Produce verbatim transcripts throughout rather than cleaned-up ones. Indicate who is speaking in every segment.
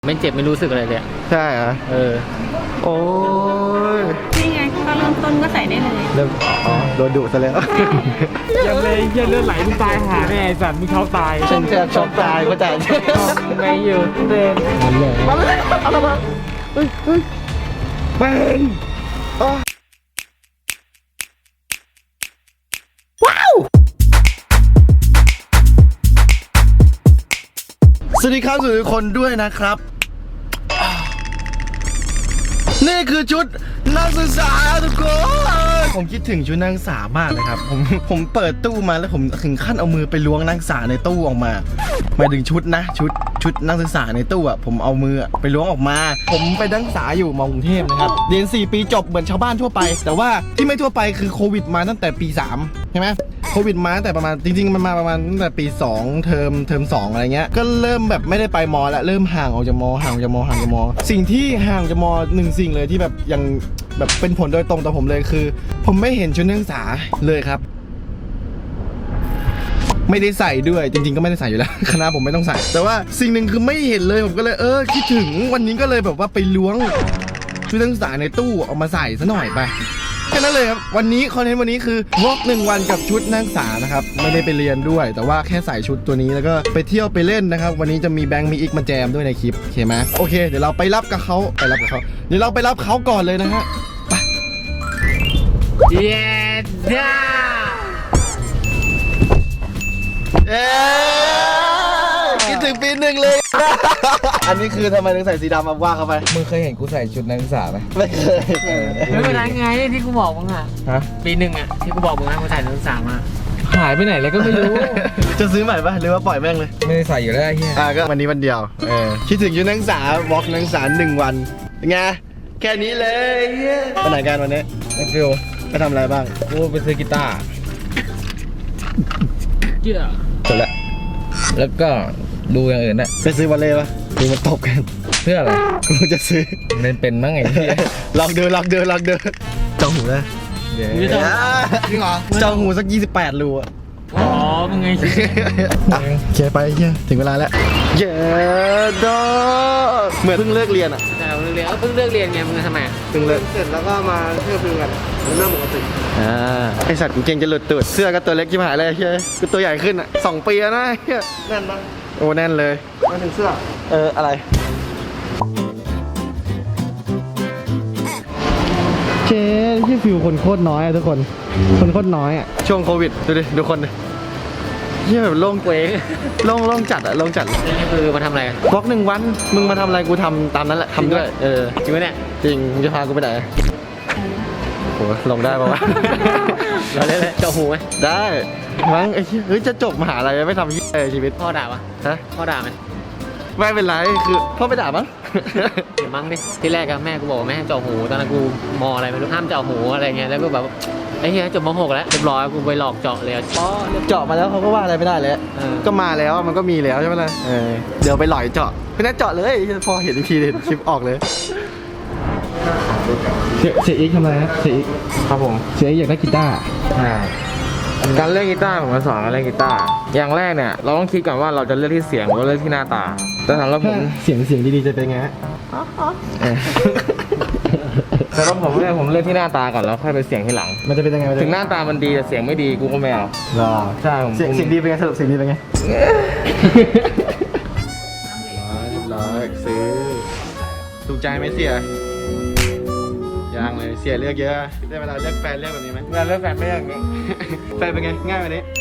Speaker 1: ไม่เจ็บไม่รู้สึกอะไรเลย
Speaker 2: ใช่เหรอเออโอ้ย
Speaker 3: นี่ไงก็เริ่มต้นก็ใส่ได้เลย
Speaker 2: เริ่มอ๋อโดนดุซะแล้ว
Speaker 1: ยังเลยยังเลือดไหลมึงตายหาแน่ไอ้สัตว์มึงเขาตาย
Speaker 2: ฉันแทบช็อกตายก็จ่าย
Speaker 1: ไม่อยู่เดินมันเลย
Speaker 2: มาเลยเอาละมาเฮ้ยเฮ้ยแบงว้าวสวัสดีครับสวัสดีทุกคนด้วยนะครับนี่คือชุดนักศึกษาทุกคนผมคิดถึงชุดนักศึกษามากเลยครับผมผมเปิดตู้มาแล้วผมถึงขั้นเอามือไปล้วงนักศึกษาในตู้ออกมาหมายถึงชุดนะชุดชุดนักศึกษาในตู้อ่ะผมเอามือไปล้วงออกมาผมไปนักศึกษาอยู่มอกรุงเทพนะครับเรียนสี่ปีจบเหมือนชาวบ้านทั่วไปแต่ว่าที่ไม่ทั่วไปคือโควิดมาตั้งแต่ปีสามใช่ไหมโควิดมาตั้งแต่ประมาณจริงๆมันมาประมาณตั้งแต่ปีสองเทอมเทอมสองอะไรเงี้ยก็เริ่มแบบไม่ได้ไปมอแล้วเริ่มห่างออกจากมอห่างจากมอห่างจากมอสิ่งที่ห่างจากมอหนึ่งสิ่งเลยที่แบบยังแบบเป็นผลโดยตรงต่อผมเลยคือผมไม่เห็นชุดนักศึกษาเลยครับไม่ได้ใส่ด้วยจริงๆก็ไม่ได้ใส่อยู่แล้วคณะผมไม่ต้องใส่แต่ว่าสิ่งหนึ่งคือไม่เห็นเลยผมก็เลยเออคิดถึงวันนี้ก็เลยแบบว่าไปล้วงชุดนักศึกษาในตู้เอามาใส่ซะหน่อยไปแค่นั้นเลยครับวันนี้คอนเทนต์วันนี้คือวอล์กหนึ่งวันกับชุดนักศึกษานะครับไม่ได้ไปเรียนด้วยแต่ว่าแค่ใส่ชุดตัวนี้แล้วก็ไปเที่ยวไปเล่นนะครับวันนี้จะมีแบงค์มีอีกมาแจมด้วยในคลิปโอเคไหมโอเคเดี๋ยวเราไปรับกับเขาไปรับกับเขาเดี๋ยวเราไปรับเขาก่อนเลยนะฮะไป
Speaker 1: เย้ด้า
Speaker 2: เอ๊คิดถึงปีหนึ่งเลยอันนี้คือทำไมถึงใส่สีดำมาว่าเข้าไป
Speaker 4: มึงเคยเห็นกูใส่ชุดนักศึกษาไหม
Speaker 2: ไม่เคย
Speaker 1: ไม่เป็นไรไงที่กูบอกมึงอ่ะ
Speaker 4: ฮะ
Speaker 1: ปีหนึ่งอ่ะที่กูบอกมึงนะกูถ่ายนักศึกษามา
Speaker 4: หายไปไหนแล้วก็ไม่รู้
Speaker 2: จะซื้อใหม่ปะหรือว่าปล่อยแม่งเลย
Speaker 4: ไม่ได้ใส่อยู่แล้วไอ้เหี้ย
Speaker 2: อ่ะก็วันนี้วันเดียวเออคิดถึงชุดนักศึกษาวอล์กนักศึกษาหนึ่งวันไงแค่นี้เลยไปไหนกันวันนี้
Speaker 4: ไอ้ฟิว
Speaker 2: ไปทำอะไรบ้าง
Speaker 4: กูไปซื้อกีตาร์
Speaker 1: เจ้า
Speaker 4: จบละแล้วก็ดูอย่างอื่นนะ
Speaker 2: ไปซื้อวอลเล่ปะดูมันตบกัน
Speaker 4: เพื่ออะไร
Speaker 2: กูจะซื้อ
Speaker 4: เล่นเป็นมั้งไงเหี้ย
Speaker 2: ลองเดินลองเดินลองเดินจองหูนะ
Speaker 4: เดี๋ยว
Speaker 2: จริงเหรอจองหูสักยี่สิบแปดรูอ่ะ
Speaker 1: อ๋อมึงไง
Speaker 2: เคลียร์ไปเฮียถึงเวลาแล้วเย้ดอเหมือนเพิ่งเลิกเรียนอ่ะ
Speaker 1: แต่เพิ่งเรียนเพิ่งเลิกเรียนไงมึงทำไม
Speaker 2: เพิ่งเลิกเสร็จแล้วก็มาเที่ยวฟิวกันเรื่องปกติอ่าไอสัตว์กูเก่งจะหลุดตูดเสื้อก็ตัวเล็กชิบหายเลยเฮียกูตัวใหญ่ขึ้นอ่ะสองปีแล้วนะเฮียแน่นปะโอ้แน่นเลยมาถึงเสื้อเอออะไรเจ๊ที่ฟิวคนโคตรน้อยอะทุกคนคนโคตรน้อยอะช่วงโควิดดูดิดูคนดิเฮียแบบโล่งเว้งโล่งโล่งจัดอะโล่งจัด
Speaker 1: นี่คือมาทำอะไรกัน
Speaker 2: บล็อกหนึ่งวันมึงมาทำอะไรกูทำตามนั้นแหละทำด้วยเออ
Speaker 1: จริงไหมเนี่ย
Speaker 2: จริงมึงจะพากูไปไหนโหลงได้ปะวะ
Speaker 1: เราได้เลยเจาะหูไหม
Speaker 2: ได้มั้งไอ้เฮ้ยจะจบมหาลัยไม่ทำเออชีวิต
Speaker 1: พ่อด่าปะ
Speaker 2: ฮะ
Speaker 1: พ่อด่าไหม
Speaker 2: ไม่เป็นไรคือพ่อไม่ด่ามั้ง
Speaker 1: เดี๋ยวมั้งดิที่แรกอะแม่กูบอกว่าแม่ให้เจาะหูตอนนั้นกูมออะไรไม่รู้ห้ามเจาะหูอะไรเงี้ยแล้วก็แบบไอ้เหี้ยจบมหกแล้วเรียบร้อยกูไปหลอกเจาะเลยป้อ
Speaker 2: เจาะมาแล้วเขาก็ว่าอะไรไม่ได้แล้วก็มาแล้วมันก็มีแล้วใช่ไหมล่ะเออเดี๋ยวไปหล่อยเจาะไม่ได้เจาะเลยพอเห็นอีกทีเห็นคลิปออกเลยเสียอีกทำอะไรฮะเสียอีก
Speaker 4: ครับผม
Speaker 2: เสียอีกอยากได้กีตาร์
Speaker 4: การเล่นกีตาร์ผมมาสอนการเล่นกีตาร์อย่างแรกเนี่ยเราต้องคิดก่อนว่าเราจะเลือกที่เสียงหรือเลือกที่หน้าตาแต่สำหรับผม
Speaker 2: เสียงเสียงดีๆจะเป็นไง
Speaker 4: แต่ถ้าผมเลือกผมเลือกที่หน้าตาก่อนแล้วค่อยไปเสียงที่หลัง
Speaker 2: มันจะเป็นยังไง
Speaker 4: ถึงหน้าตามันดีแต่เสียงไม่ดีกูก็ไม่เอา
Speaker 2: รอ
Speaker 4: ใช่ผม
Speaker 2: เสียงเสียงดีเป็นไงสรุปเสียงดีเป็นไงเรียบร้อยซื้อถูกใจไหมเสียยังเลยเสียเลือกเยอะได้เวลาเลือกแฟนเลือกแบบนี้ไหม
Speaker 4: งานเลือกแฟนไม่อย่างนี้
Speaker 2: แฟนเป็นไงง่ายไหมนี้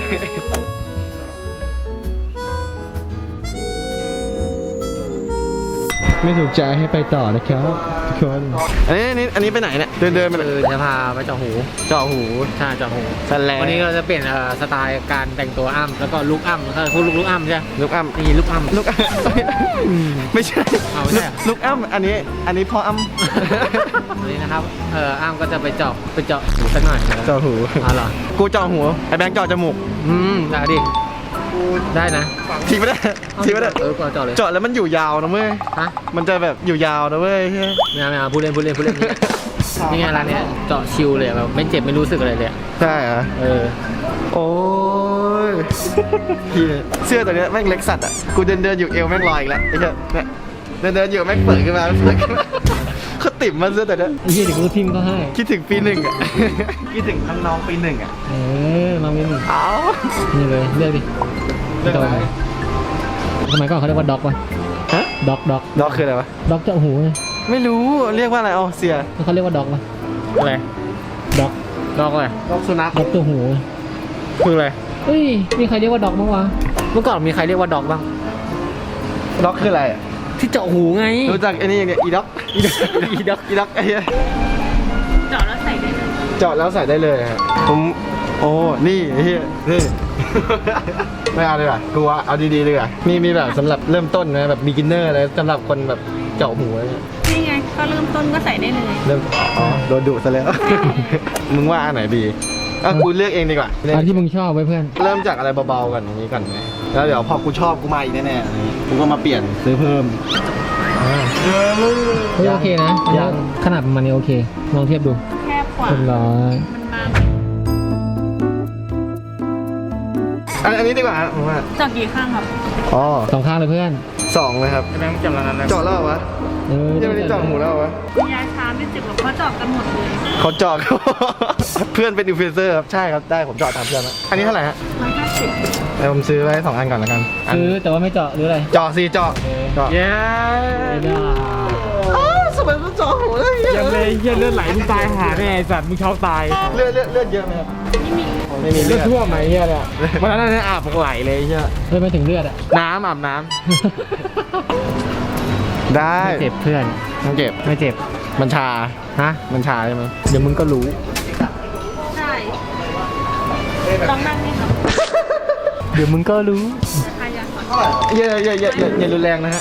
Speaker 2: ไม่ถูกใจให้ไปต่อนะครับทุกคนอันนี้อันนี้อันนี้ไปไหนเนี่ยเดินเดินไป
Speaker 1: คือจะพาไปเจาะหู
Speaker 2: เจาะหู
Speaker 1: ใช่เจาะหู
Speaker 2: วัน
Speaker 1: นี้เราจะเปลี่ยนสไตล์การแต่งตัวอ้ำแล้วก็ลุกอ้ำแล้วก็พูดลุกลุกอ้ำใช่
Speaker 2: ลุกอ้ำ
Speaker 1: นี่ลุกอ้ำ
Speaker 2: ลุกไม่ใช่ลุกอ้ำอันนี้อันนี้พ่ออ้ำ
Speaker 1: วันนี้นะครับเอออ้ำก็จะไปเจาะไปเจาะหูสักหน่อย
Speaker 2: เจาะหู
Speaker 1: อ๋อเหรอ
Speaker 2: กูเจาะหูไอ้แบงค์เจาะจมูก
Speaker 1: อืมได้ดิได้นะ
Speaker 2: ทีไม่ได้ทีไม่ได้
Speaker 1: เออเจาะเลย
Speaker 2: เจาะแล้วมันอยู่ยาวนะเว้ย
Speaker 1: ฮะ
Speaker 2: มันจะแบบอยู่ยาวนะเว้ย
Speaker 1: ไม่เอาไม่เอาพูดเล่นพูดเล่นพูดเล่นนี่ไงร้านนี้เจาะชิวเลยแบบไม่เจ็บไม่รู้สึกอะไรเลย
Speaker 2: ใช่เหรอ
Speaker 1: เออ
Speaker 2: โอ้ยพี่เสื้อตัวนี้แม่งเล็กสัตว์อ่ะกูเดินเดินอยู่เอวแม่งลอยอีกแล้วไอ้เจ้าเนี่ยเดินเดินอยู่แม่งเปิดขึ้นมาเปิดขึ้นมาเขาติ่มมาซะแต่เนี้ย
Speaker 1: ไอ้เหี้ยเดี๋ยวกูทิมก็ให้
Speaker 2: คิดถึงปีหนึ่งอ่ะ คิดถึงน้องๆปีหนึ่งอ่ะ
Speaker 1: เออมาเมน
Speaker 2: เอา
Speaker 1: นี่เลยเลือกดิ
Speaker 2: เรื่องอะไร
Speaker 1: สมัยก่อนเขาเรียกว่าด็อกวะ
Speaker 2: ฮะ
Speaker 1: ด็อกด็อก
Speaker 2: ด็อกคืออะไรวะ
Speaker 1: ด็อกเจาะหูไง
Speaker 2: ไม่รู้เรียกว่าอะไรอ๋อเสีย
Speaker 1: เขาเรียกว่าด็อกวะ
Speaker 4: อะไร
Speaker 1: ด็อก
Speaker 4: ดอกอะไร
Speaker 2: ด็อกสุนัข
Speaker 1: ด็อกตัวหู
Speaker 4: คืออะไร
Speaker 1: เฮ้ยมีใครเรียกว่าด็อกบ้างวะเมื่อก่อนมีใครเรียกว่าด็อกบ้าง
Speaker 2: ด็อกคืออะไรอ่ะ
Speaker 1: ที่เจาะหูไง
Speaker 2: รู้จักไอ้นี่อย่างเนี้ยอีด็อกอีด็อกอีด็อกอีด็อกไอ้เหี้ย
Speaker 3: เจาะแล้วใส่ได้เลย
Speaker 2: เจาะแล้วใส่ได้เลยฮะผมโอ้นี่ไอ้เหี้ยนี่ ไม่เอาเลยอ่ะกูว่าเอาดีๆเลยอ่ะมีมีแบบสำหรับเริ่มต้นนะแบบ beginner อะไรสำหรับคนแบบเจาะหูอะไรเงี้ย
Speaker 3: นี่ไงก็เริ่มต้นก็ใส่ได้เลย
Speaker 2: เริ่มอ๋อโดนดุซะแล้ว มึงว่าอันไหนดีอ่ะกูเลือกเองดีกว่า
Speaker 1: อันที่มึงชอบไว้เพื่อน
Speaker 2: เริ่มจากอะไรเบาๆก่อนอย่างนี้ก่อนไหมแล้วเดี๋ยวพอกูชอบกูมาอีกแน่ๆอะไรอย่างงี้กูก็มาเปลี่ยนซื้อเพิ่ม
Speaker 1: เฮ้ยโอเคนะอันนี้
Speaker 2: ยัง
Speaker 1: ขนาดประมาณนี้โอเคลองเทียบดู
Speaker 3: แคบกว่า
Speaker 1: เรียบร้อย
Speaker 3: มันบาง
Speaker 2: อันอันนี้ดีกว่าฮะผมว่า
Speaker 3: เจาะกี่ข้างครับ
Speaker 2: อ๋อ
Speaker 1: สองข้างเลยเพื่อน
Speaker 2: สองเลยครับ
Speaker 4: แบงค์จำแล้วนั้นนะ
Speaker 2: เจาะแล้วเหรอวะ
Speaker 1: เออ
Speaker 2: ยังไม่ได้เจาะหูแล้วเหรอวะ
Speaker 3: ยาชาไม่เจ็บหรอกเพราะเจาะกันหมดเลย
Speaker 2: เขาเจาะ เพื่อนเป็นอินฟลูเอนเซอร์ครับใช่ครับได้ผมเจาะตามเพื่อนแล้วอันนี้เท่าไหร่ฮะ
Speaker 3: ร้อยห้าสิบ
Speaker 2: เดี๋ยวผมซื้อไว้สองอันก่อนแล้วกันอัน
Speaker 1: ซื้อแต่ว่าไม่เจาะหรืออะไร
Speaker 2: เจาะสิเจาะเจาะ
Speaker 4: เย้
Speaker 1: ไม่ได้
Speaker 2: อ้าวสมัยมันเจาะหูเลย
Speaker 4: ยังเลยเหี้ยเลือดไหลมึงตายหาแน่ไอ้สัตว์มึงเช้าตาย
Speaker 2: เลือดเลือดเลือดเยอะไหมครับ
Speaker 3: ไม่มี
Speaker 2: ไม่มี
Speaker 4: เลื
Speaker 2: เลื
Speaker 4: อ
Speaker 2: อ
Speaker 4: ด
Speaker 2: ด
Speaker 4: ท่วมไหมเหี้ยเนี่ยวันนั้นเนี่ยอาบไหลเลยเหี้ย
Speaker 1: เฮ้ยไม่ถึงเลือดอ่ะ
Speaker 4: น้ำอาบน้
Speaker 2: ได้
Speaker 1: ไม่เจ็บเพื่อน
Speaker 2: มันเจ็บ
Speaker 1: ไม่เจ็บ
Speaker 2: มันชา
Speaker 1: ฮะ
Speaker 2: มันชาใช่ไหม
Speaker 1: เดี๋ยวมึงก็รู้
Speaker 3: ใช่ลองนั่งนี่ครับ
Speaker 1: เดี๋ยวมึงก็รู้
Speaker 3: ทายา
Speaker 2: เยอะเยอะเยอะเยอะอย่ารุนแรงนะฮะ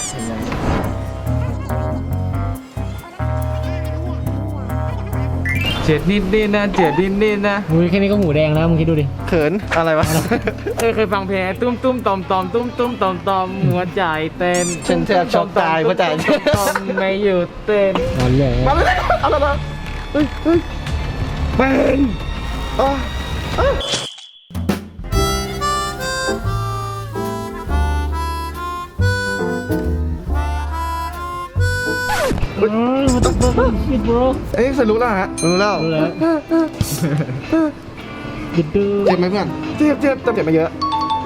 Speaker 4: ำเจ็ดนิดนิดนะเจ็ดนิดนิดนะ
Speaker 1: มึงแค่นี้ก็หูแดงแล้วมึงคิดดูดิ
Speaker 2: เขินอะไรวะ
Speaker 4: เคยเคยฟังเพลงตุ้มตุ้มตอมตอมตุ้มตุ้มตอมตอมหัวใจเต้น
Speaker 2: ฉันแทบช็อกตายเพราะใจ
Speaker 4: ตอมไม่หยุดเต้น
Speaker 1: นอนเลย
Speaker 2: มาเลยเอาละมาเฮ้ยเฮ้ย
Speaker 4: เป็น
Speaker 2: อ๋ออ๋อ
Speaker 1: เฮ้ยมันต้องเบิ้ลบิดโบร
Speaker 2: เอ้ยสรู้แล้วฮะรู้แล้ว
Speaker 1: รู้แล้วบิดดู
Speaker 2: เจ็บไหมเพื่อนเจ็บเจ็บแต่เจ็บไม่เยอะ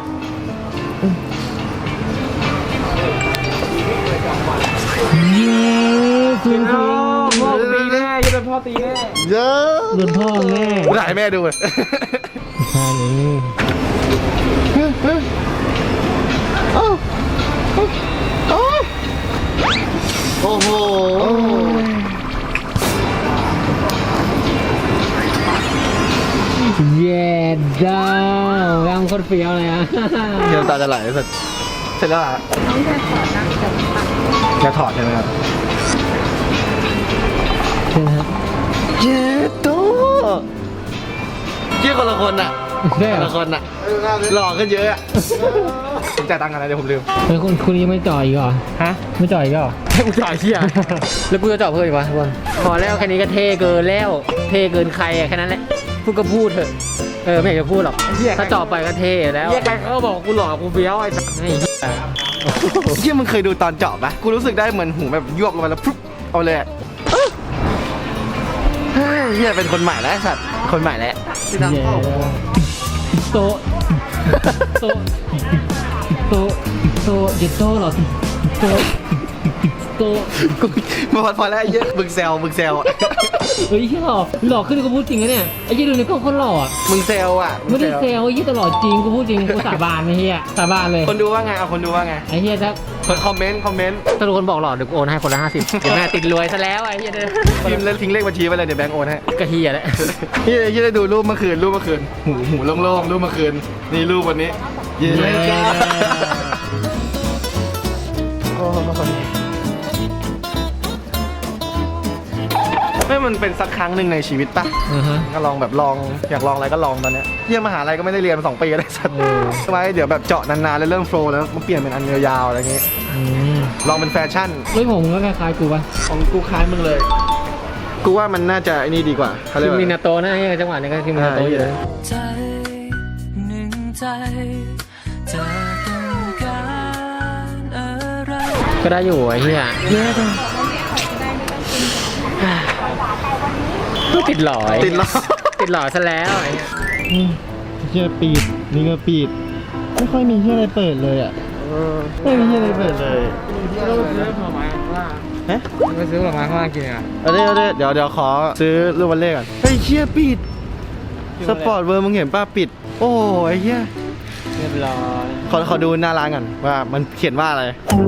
Speaker 1: เย้ฟิน
Speaker 4: พ่อพ่อตีแน่จะเป็นพ่อตีแน่
Speaker 2: เยอะ
Speaker 1: โดนพ่อแน่
Speaker 2: ถ่ายแม่ดูเลย
Speaker 1: ใช่เลย
Speaker 2: โอ้โอ้โอ้โห
Speaker 1: เย้ดาวร่างโคตรเฟี้ยวเลยอ่ะ
Speaker 2: เดี๋ยวตาจะไหลเสร็จเสร็จแล้วอ่ะ
Speaker 3: น้องจะถอดนะแต่ปัง
Speaker 2: จะถอดใช่ไหมครับ
Speaker 1: ใช่ไหมฮะ
Speaker 2: เย้โตเยี่ยคนละคนอ่ะ
Speaker 1: ได้
Speaker 2: คน
Speaker 1: เหรอ
Speaker 2: ละคนอ่ะหล่อขึ้นเยอะอ่ะผมจ่ายตังค์กันนะเดี๋ยวผมลืม
Speaker 1: เฮ้ยคุณคุณยังไม่จ่อยอีกเหรอ
Speaker 4: ฮะ
Speaker 1: ไม่จ่อยอีกเหรอ
Speaker 4: ให้กูจ่ายเชี่ย
Speaker 1: แล้วกูจะเจาะเพิ่มอีกวะทุกคนพอแล้วแค่นี้ก็เท่เกินแล้ว เท่เกินใครอะแค่นั้นแหละพูดก็พูดเถอะเออไม่อยากจะพูดหรอกถ้าเจาะไปก็เท่แล้ว
Speaker 4: เหี้ยใครเขาก็บอกกูหล่อกูเฟี้ยวไอ้สัส
Speaker 1: ไอ้เหี้ย
Speaker 2: เยี่ยมึงเคยดูตอนเจาะปะกูรู้สึกได้เหมือนหูแบบยวบลงไปแล้วปุ๊บเอาเลยอะเฮ้ยเฮียเป็นคนใหม่แล้วไอ้สัตว์คนใหม่แล้วที่ดัง
Speaker 1: เย้
Speaker 2: เข้า
Speaker 1: โตะโตะโตะโตะเจ็ดโตะเหรอโตะโตะ
Speaker 2: กูมาพอพอแล้วไอ้เหี้ยมึงแซวมึงแซว
Speaker 1: เฮ้ยหล่อหล่อขึ้นกูพูดจริงนะเนี่ยไอ้ยี่ดูในกล้องคนหล่ออะ
Speaker 2: มึงแซวอ่ะง
Speaker 1: ไม่ได้เซลไอ้ยี่ตลอดจริงกูพูดจริงกูสาบานไอ้เหี้ยสาบานเลย
Speaker 2: คนดูว่าไงเอาคนดูว่าไง
Speaker 1: ไอ้เหี้ยถ้า
Speaker 2: คนคอมเมนต์คอมเมนต์
Speaker 1: ถ้าทุกคนบอกหล่อเดี๋ยวกูโอนให้คนละห้าสิบเดี๋ยวแม่ติดรวยซะแล้วไอ้เหี้ยเนี่ย
Speaker 2: พิมพ์แล้วทิ้งเลขบัญชีไปเลยเดี๋ยวแบงก์โอนให้
Speaker 1: กระเฮียแหละ
Speaker 2: เฮียเฮียได้ดูรูปเมื่อคืนรูปเมื่อคืนหูหูโล่งๆรูปเมื่อคืนนี่รูปวันนี้เย้
Speaker 1: เย้
Speaker 2: โอ้ไม่มันเป็นสักครั้งหนึ่งในชีวิตปะ
Speaker 1: อือฮะ
Speaker 2: ก็ลองแบบลองอยากลองอะไรก็ลองตอนเนี้ยเยี่ยมมหาลัยก็ไม่ได้เรียนมาสองปีแล้วสัตว์
Speaker 1: เออ
Speaker 2: ไว้เดี๋ยวแบบเจาะนานๆแล้วเริ่มโฟล์แล้วมันเปลี่ยนเป็นอันยาวๆอะไรเงี้ย
Speaker 1: อืม
Speaker 2: ลองเป็นแฟชั่น
Speaker 1: เฮ้ยผมก็คล้ายๆกูปะ
Speaker 2: ของกูคล้ายมึงเลย กูว่ามันน่าจะไอ้นี่ดีกว่าเขาเรี
Speaker 1: ที
Speaker 2: ยก
Speaker 1: ม
Speaker 2: ว่า
Speaker 1: มินาโตะนะไอ้จังหวะนี้ก็ทีมมินาโตะอยู่เลย
Speaker 5: ใจหนึ่งใจเธอต้องการอะไร
Speaker 1: เคก็ได้อยู่ไอ้เหี้ย
Speaker 2: เนี่ยจ้ะ
Speaker 1: ติดหลอย
Speaker 2: ติดหลอย
Speaker 1: ติดหลอยซะแล้วไอ้เหี้ย
Speaker 2: อืมเฮียปิดนี่ก็ปิดไม่ค่อยมีเฮียอะไรเปิดเลยอ่ะไม่มีเฮียอะไรเปิดเลย
Speaker 4: เราไปซื้อผลไม้ข้างล่าง
Speaker 2: ฮะ
Speaker 4: ไปซื้อผลไม้ข้างล่างกินอ่ะ
Speaker 2: เอาดิเอาดิเดี๋ยวเดี๋ยวขอซื้อลูกวันเล่ก่อนเฮ้ยเฮียปิดสปอร์ตเวอร์มึงเห็นป่ะปิด โอ้ยเฮีย
Speaker 1: เรียบร้อย
Speaker 2: ขอขอดูหน้าร้านก่อนว่ามันเขียนว่าอะไร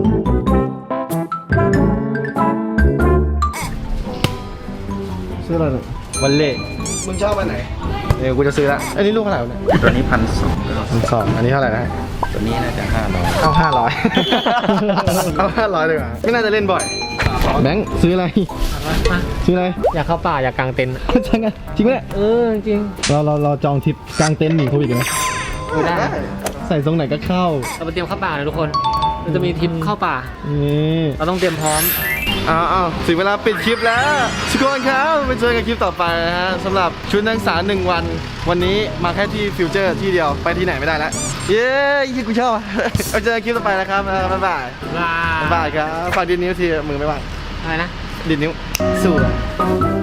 Speaker 2: ซื้ออะไรเนี่ยวันเล่มึงชอบอันไหนเดี๋ยวกูจะซื้อละอันนี้ลูกเท่าไหร่วะเนี่ย
Speaker 6: ตัวนี้พันสอง
Speaker 2: พันสองอันนี้เท่าไหร่นะ
Speaker 6: ตัวนี้น่าจะห้าร้อย
Speaker 2: เอาห้าร้อย เอาห้าร้อยเลยว่ะไม่น่าจะเล่นบ่อยแบงค์ซื้ออะไร
Speaker 1: มา
Speaker 2: ซื้ออะไร
Speaker 1: อยากเข้าป่าอยากกางเต็นท์
Speaker 2: ใช่ไงจริงไหมเนี่ย
Speaker 1: เออจริง
Speaker 2: เราเราเราจองทริปกลางเต็นท์หนีโควิดกันไหม
Speaker 1: ไม่ได้
Speaker 2: ใส่ทรงไหนก็เข้า
Speaker 1: เราไปเตรียมเข้าป่านะทุกคนเราจะมีทริปเข้าป่า
Speaker 2: นี่
Speaker 1: เราต้องเตรียมพร้อม
Speaker 2: อ้าวอ้าวถึงเวลาปิดคลิปแล้วทุกคนครับไปเจอกันคลิปต่อไปนะฮะสำหรับชุดนักศึกษาหนึ่งวัน วันนี้มาแค่ที่ฟิวเจอร์ที่เดียวไปที่ไหนไม่ได้แล้วเย้ยี่กูชอบเอาเจอกันคลิปต่อไปนะครับบ๊ายบายบ๊ายบายครับฝากดินนิ้วทีมือไม่ว่าง
Speaker 1: อะไรนะ
Speaker 2: ดินนิ้วสู้